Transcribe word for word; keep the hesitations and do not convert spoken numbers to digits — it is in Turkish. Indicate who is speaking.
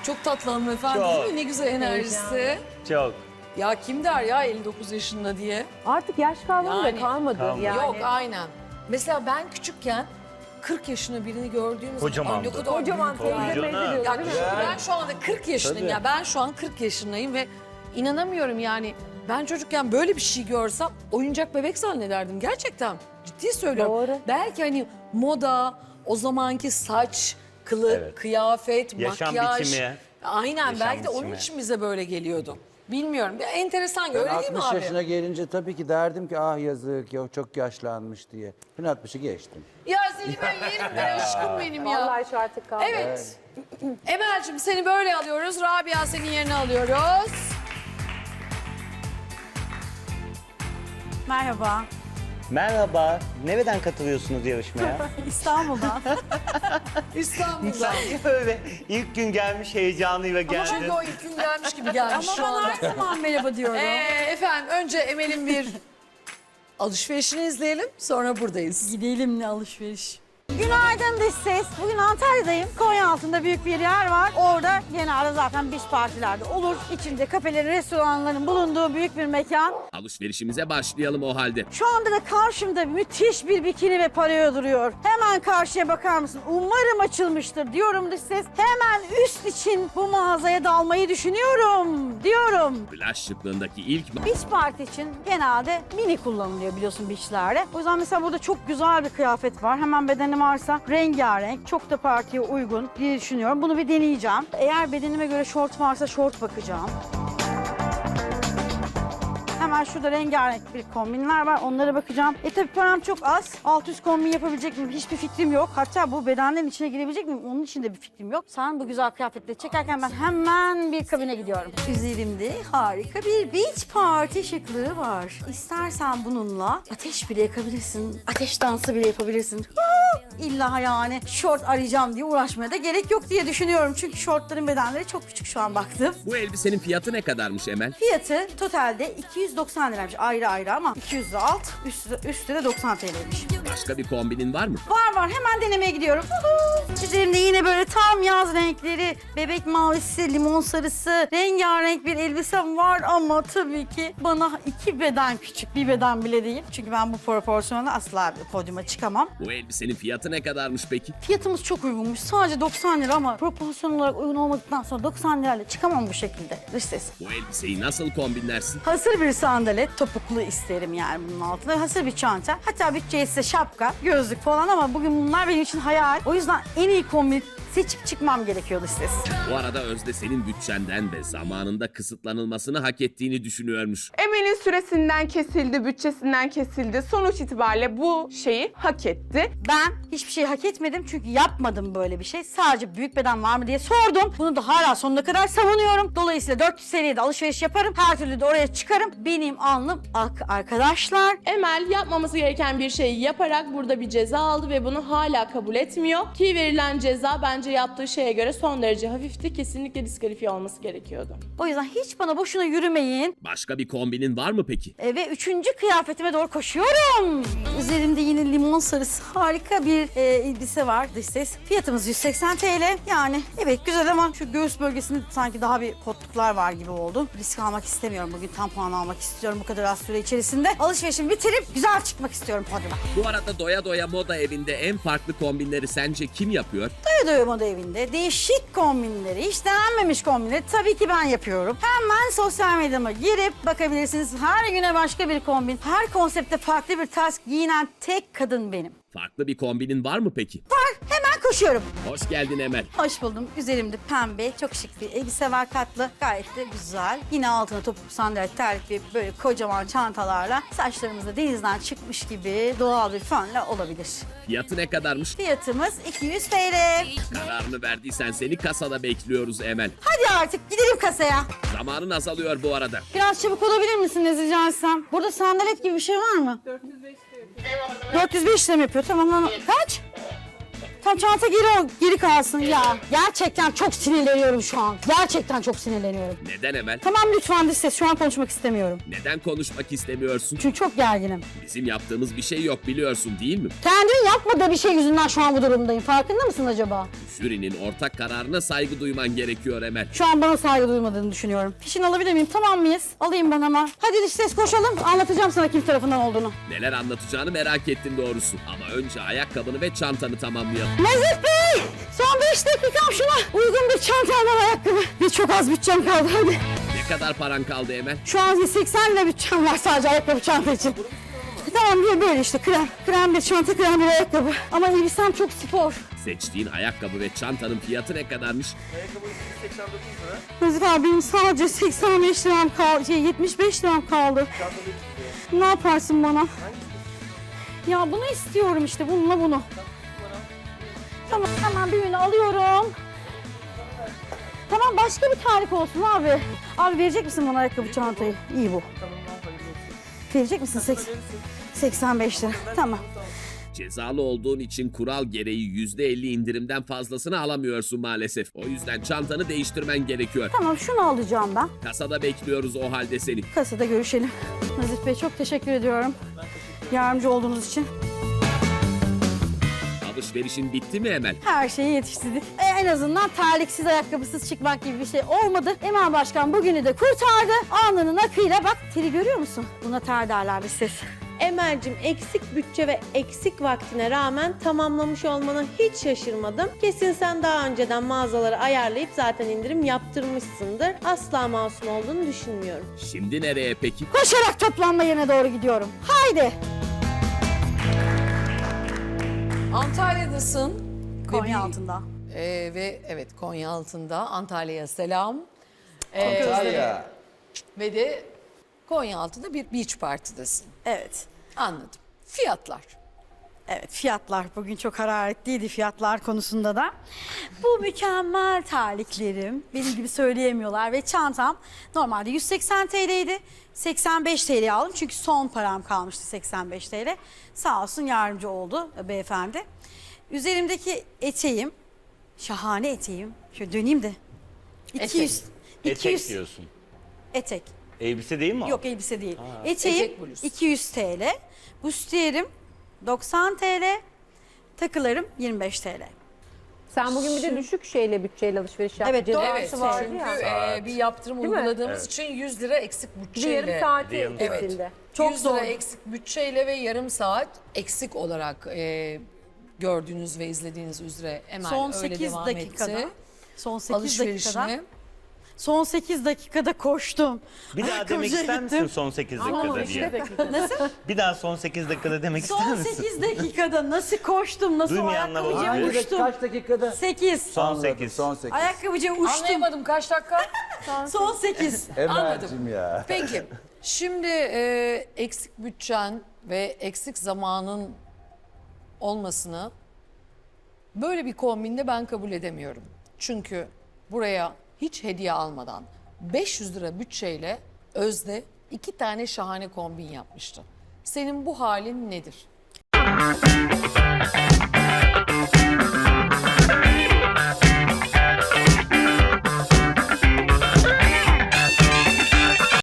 Speaker 1: Çok tatlı hanımefendi
Speaker 2: Çok.
Speaker 1: değil mi? Ne güzel enerjisi.
Speaker 2: Çok.
Speaker 1: Ya kim der ya elli dokuz yaşında diye.
Speaker 3: Artık yaş kavramı
Speaker 1: Yani.
Speaker 3: da kalmadı
Speaker 2: Kalmadı.
Speaker 3: yani.
Speaker 1: Yok aynen. Mesela ben küçükken kırk yaşında birini gördüğüm zaman
Speaker 2: Kocamandı.
Speaker 1: "Ay, ne kadar
Speaker 3: Kocaman
Speaker 1: büyük
Speaker 3: teyze
Speaker 2: Tabii
Speaker 3: meyze
Speaker 2: canım.
Speaker 3: diyorlar
Speaker 1: Ya
Speaker 3: değil mi?
Speaker 1: düşün, ben şu anda kırk yaşındayım
Speaker 2: Tabii.
Speaker 1: ya. Ben şu an kırk yaşındayım ve inanamıyorum yani. Ben çocukken böyle bir şey görsem oyuncak bebek zannederdim gerçekten. Ciddi söylüyorum.
Speaker 3: Doğru.
Speaker 1: Belki hani moda, o zamanki saç, kılık,
Speaker 2: Evet.
Speaker 1: kıyafet,
Speaker 2: Yaşam
Speaker 1: makyaj.
Speaker 2: biçimi.
Speaker 1: Aynen
Speaker 2: Yaşam
Speaker 1: belki de onun
Speaker 2: biçimi.
Speaker 1: için bize böyle geliyordu. Bilmiyorum. Bir enteresan
Speaker 4: Ben
Speaker 1: öyle değil mi
Speaker 4: altmış
Speaker 1: abi?
Speaker 4: yaşına gelince tabii ki derdim ki ah yazık ya çok yaşlanmış diye. Ben altmışı geçtim.
Speaker 1: Ya seni ben yerim ben aşkım benim ya.
Speaker 3: Vallahi şu artık kaldı.
Speaker 1: Evet. Emel'cim seni böyle alıyoruz. Rabia senin yerine alıyoruz.
Speaker 5: Merhaba,
Speaker 2: Merhaba. Nereden katılıyorsunuz yarışmaya?
Speaker 5: İstanbul'dan.
Speaker 1: İstanbul'dan.
Speaker 2: Böyle ilk gün gelmiş heyecanıyla geldi.
Speaker 1: Çünkü o ilk gün gelmiş gibi gelmiş
Speaker 5: Ama
Speaker 1: şu
Speaker 5: ben
Speaker 1: anda.
Speaker 5: her zaman merhaba diyorum.
Speaker 1: Ee, efendim önce Emel'in bir alışverişini izleyelim. Sonra buradayız.
Speaker 5: Gidelim ne alışveriş. Günaydın dış ses. Bugün Antalya'dayım. Konyaaltı'nda büyük bir yer var. Orada genelde zaten beach partilerde olur. İçinde kafelerin, restoranların bulunduğu büyük bir mekan.
Speaker 6: Alışverişimize başlayalım o halde.
Speaker 5: Şu anda da karşımda müthiş bir bikini ve pareo duruyor. Hemen karşıya bakar mısın? Umarım açılmıştır diyorum dış ses. Hemen üst için bu mağazaya dalmayı düşünüyorum diyorum.
Speaker 6: Plaj şıklığındaki ilk
Speaker 5: Beach party için genelde mini kullanılıyor biliyorsun beachlerde. O yüzden mesela burada çok güzel bir kıyafet var. Hemen bedenim varsa rengarenk, çok da partiye uygun diye düşünüyorum. Bunu bir deneyeceğim. Eğer bedenime göre şort varsa şort bakacağım. Hemen şurada rengarenk bir kombinler var. Onlara bakacağım. E tabii param çok az. Alt üst kombin yapabilecek miyim? Hiçbir fikrim yok. Hatta bu bedenlerin içine girebilecek miyim? Onun için de bir fikrim yok. Sen bu güzel kıyafetleri çekerken ben hemen bir kabine gidiyorum. Üzerimde harika bir beach party şıklığı var. İstersen bununla ateş bile yakabilirsin. Ateş dansı bile yapabilirsin. Huu! İlla yani şort arayacağım diye uğraşmaya da gerek yok diye düşünüyorum. Çünkü şortların bedenleri çok küçük şu an baktım.
Speaker 6: Bu elbisenin fiyatı ne kadarmış Emel?
Speaker 5: Fiyatı totalde iki yüz doksan liraymış ayrı ayrı ama iki yüz lira alt, üstü, üstü de doksan T L'ymiş.
Speaker 6: Başka bir kombinin var mı?
Speaker 5: Var var hemen denemeye gidiyorum. Huhu! Üzerimde yine böyle tam yaz renkleri, bebek mavisi, limon sarısı, rengarenk bir elbisem var ama tabii ki bana iki beden küçük, bir beden bile değil. Çünkü ben bu proporsiyonla asla bir podyuma çıkamam.
Speaker 6: Bu elbisenin fiyatı ne kadarmış peki?
Speaker 5: Fiyatımız çok uygunmuş. Sadece doksan lira ama proporsiyon olarak uygun olmadıktan sonra doksan lirayla çıkamam bu şekilde. Dış ses.
Speaker 6: Bu elbiseyi nasıl kombinlersin?
Speaker 5: Hazır bir sandalet, topuklu isterim yani bunun altında. Hazır bir çanta. Hatta bütçe ise şapka, gözlük falan ama bugün bunlar benim için hayal. O yüzden en iyi kombin seçip çıkmam gerekiyordu ses.
Speaker 6: Bu arada Özde senin bütçenden ve zamanında kısıtlanılmasını hak ettiğini düşünüyormuş.
Speaker 7: Emel'in süresinden kesildi, bütçesinden kesildi. Sonuç itibariyle bu şeyi hak etti.
Speaker 5: Ben hiçbir şey hak etmedim çünkü yapmadım böyle bir şey. Sadece büyük beden var mı diye sordum. Bunu da hala sonuna kadar savunuyorum. Dolayısıyla dört yüz seviyede alışveriş yaparım. Her türlü de oraya çıkarım. Benim alnım ak arkadaşlar.
Speaker 7: Emel yapmaması gereken bir şeyi yaparak burada bir ceza aldı ve bunu hala kabul etmiyor. Ki verilen ceza bence yaptığı şeye göre son derece hafifti. Kesinlikle diskalifiye olması gerekiyordu.
Speaker 5: O yüzden hiç bana boşuna yürümeyin.
Speaker 6: Başka bir kombinin var mı peki?
Speaker 5: E, ve üçüncü kıyafetime doğru koşuyorum. Üzerimde yine limon sarısı harika bir e, elbise var dış ses. Fiyatımız yüz seksen T L. Yani evet güzel ama şu göğüs bölgesinde sanki daha bir potluklar var gibi oldu. Risk almak istemiyorum. Bugün tam puan almak istiyorum bu kadar az süre içerisinde. Alışverişimi bitirip güzel çıkmak istiyorum podyuma.
Speaker 6: Bu arada Doya Doya Moda Evi'nde en farklı kombinleri sence kim yapıyor?
Speaker 5: Doya Doya Moda Evi'nde değişik kombinleri, hiç denenmemiş kombinleri tabii ki ben yapıyorum. Hemen sosyal medyama girip bakabilirsiniz. Her güne başka bir kombin. Her konsepte farklı bir tarz giyinen tek kadın benim.
Speaker 6: Farklı bir kombinin var mı peki?
Speaker 5: Var, hemen koşuyorum.
Speaker 6: Hoş geldin Emel.
Speaker 5: Hoş buldum. Üzerimde pembe, çok şık bir elbise var katlı. Gayet de güzel. Yine altına topuklu sandalet, terlik ve böyle kocaman çantalarla saçlarımızda denizden çıkmış gibi doğal bir fönle olabilir.
Speaker 6: Fiyatı ne kadarmış?
Speaker 5: Fiyatımız iki yüz T L.
Speaker 6: Kararını verdiysen seni kasada bekliyoruz Emel.
Speaker 5: Hadi artık gidelim kasaya.
Speaker 6: Zamanın azalıyor bu arada.
Speaker 5: Biraz çabuk olabilir misiniz rica etsem? Burada sandalet gibi bir şey var mı? dört yüz beş lira yapıyor. dört yüz beş lira mı yapıyor? Tamam. Kaç? Tam çanta geri, geri kalsın ya. Gerçekten çok sinirleniyorum şu an. Gerçekten çok sinirleniyorum.
Speaker 6: Neden Emel?
Speaker 5: Tamam lütfen dış ses. Şu an konuşmak istemiyorum.
Speaker 6: Neden konuşmak istemiyorsun?
Speaker 5: Çünkü çok gerginim.
Speaker 6: Bizim yaptığımız bir şey yok biliyorsun değil mi?
Speaker 5: Kendinin yapmadığı bir şey yüzünden şu an bu durumdayım. Farkında mısın acaba?
Speaker 6: Jürinin ortak kararına saygı duyman gerekiyor Emel.
Speaker 5: Şu an bana saygı duymadığını düşünüyorum. Fişini alabilir miyim? Tamam mıyız? Alayım ben hemen. Hadi dış ses koşalım. Anlatacağım sana kim tarafından olduğunu.
Speaker 6: Neler anlatacağını merak ettim doğrusu. Ama önce ayakkabını ve çantanı tamamlayalım.
Speaker 5: Nezih Bey! Son beş dakikam şuna. Uygun bir çanta almam ayakkabı. Ve çok az bütçem kaldı hadi.
Speaker 6: Ne kadar paran kaldı Emel?
Speaker 5: Şu an seksen lira bütçem var sadece ayakkabı çanta için. Tamam bir böyle işte krem. Krem bir çanta, krem bir ayakkabı. Ama elbisem çok spor.
Speaker 6: Seçtiğin ayakkabı ve çantanın fiyatı ne kadarmış?
Speaker 5: Nezih abi benim sadece seksen beş liram kaldı. Şey, yetmiş beş liram kaldı. Ne yaparsın bana? Ya bunu istiyorum işte bununla bunu. Tamam hemen birini alıyorum. Tamam başka bir tarif olsun abi. Abi verecek misin bana ayakkabı çantayı? İyi bu. Verecek misin? seksen, seksen beş lira. Tamam.
Speaker 6: Cezalı olduğun için kural gereği yüzde elli indirimden fazlasını alamıyorsun maalesef. O yüzden çantanı değiştirmen gerekiyor.
Speaker 5: Tamam şunu alacağım ben.
Speaker 6: Kasada bekliyoruz o halde seni.
Speaker 5: Kasada görüşelim. Nazif Bey çok teşekkür ediyorum. Yardımcı olduğunuz için.
Speaker 6: Alışverişin bitti mi Emel?
Speaker 5: Her şeyi yetiştirdik. E, en azından terliksiz, ayakkabısız çıkmak gibi bir şey olmadı. Emel Başkan bugünü de kurtardı. Alnının akıyla bak teri görüyor musun? Buna ter derler bir ses.
Speaker 8: Emel'cim eksik bütçe ve eksik vaktine rağmen tamamlamış olmana hiç şaşırmadım. Kesin sen daha önceden mağazaları ayarlayıp zaten indirim yaptırmışsındır. Asla masum olduğunu düşünmüyorum.
Speaker 6: Şimdi nereye peki?
Speaker 5: Koşarak toplanma yerine doğru gidiyorum. Haydi.
Speaker 1: Antalya'dasın. Ve
Speaker 5: Konya
Speaker 1: bir-
Speaker 5: altında.
Speaker 1: Ee, ve evet Konya altında. Antalya'ya selam. Ee,
Speaker 4: Antalya.
Speaker 1: Ve de Konya altında bir beach party'desin.
Speaker 5: Evet.
Speaker 1: Anladım. Fiyatlar.
Speaker 5: Evet fiyatlar bugün çok hararetliydi fiyatlar konusunda da. Bu mükemmel terliklerim benim gibi söyleyemiyorlar ve çantam normalde yüz seksen T L'ydi. seksen beş T L'ye aldım çünkü son param kalmıştı seksen beş T L. Sağ olsun yardımcı oldu beyefendi. Üzerimdeki eteğim, şahane eteğim. Şöyle döneyim de. iki yüz.
Speaker 2: Etek
Speaker 5: iki yüz
Speaker 2: diyorsun.
Speaker 5: Etek.
Speaker 2: Elbise değil mi o?
Speaker 5: Yok elbise değil. Eteğim
Speaker 1: Etek bluz.
Speaker 5: iki yüz T L. Bustiyerim doksan T L. Takılarım yirmi beş T L.
Speaker 3: Sen bugün bir de düşük şeyle bütçeyle alışveriş yaptın.
Speaker 5: Evet, doğru.
Speaker 1: Evet
Speaker 3: Cezası vardı
Speaker 1: çünkü
Speaker 3: ya.
Speaker 1: e, bir yaptırım
Speaker 3: mi?
Speaker 1: uyguladığımız için yüz lira eksik
Speaker 3: Bir
Speaker 1: bütçeyle.
Speaker 3: yarım saati
Speaker 2: Yarım saat.
Speaker 3: kesildi.
Speaker 5: Çok
Speaker 1: yüz lira
Speaker 5: zor.
Speaker 1: eksik bütçeyle ve yarım saat eksik olarak e, gördüğünüz ve izlediğiniz üzere Emel
Speaker 5: Son
Speaker 1: öyle
Speaker 5: sekiz
Speaker 1: devam
Speaker 5: dakikada.
Speaker 1: etti.
Speaker 5: Son sekiz dakikada.
Speaker 1: Alışverişini.
Speaker 5: Son sekiz dakikada koştum.
Speaker 2: Bir daha demek
Speaker 5: Ayakkabıcıya
Speaker 2: ister
Speaker 5: gittim.
Speaker 2: misin son sekiz dakikada diye?
Speaker 5: Nasıl?
Speaker 2: Bir daha son sekiz dakikada demek ister
Speaker 5: Son
Speaker 2: misin?
Speaker 5: sekiz dakikada nasıl koştum, nasıl o
Speaker 2: Duymayanlar
Speaker 5: ayakkabıcıya
Speaker 2: olabilir.
Speaker 4: Hangi
Speaker 5: uçtum.
Speaker 4: kaç dakikada?
Speaker 5: sekiz.
Speaker 2: Son
Speaker 4: Anladım,
Speaker 2: sekiz.
Speaker 4: Son sekiz.
Speaker 5: Ayakkabıcıya uçtum.
Speaker 1: Anlayamadım kaç dakika?
Speaker 5: Son sekiz.
Speaker 4: Emel'cim ya.
Speaker 1: Peki şimdi e, eksik bütçen ve eksik zamanın olmasını böyle bir kombinde ben kabul edemiyorum. Çünkü buraya hiç hediye almadan beş yüz lira bütçeyle Özde iki tane şahane kombin yapmıştı. Senin bu halin nedir?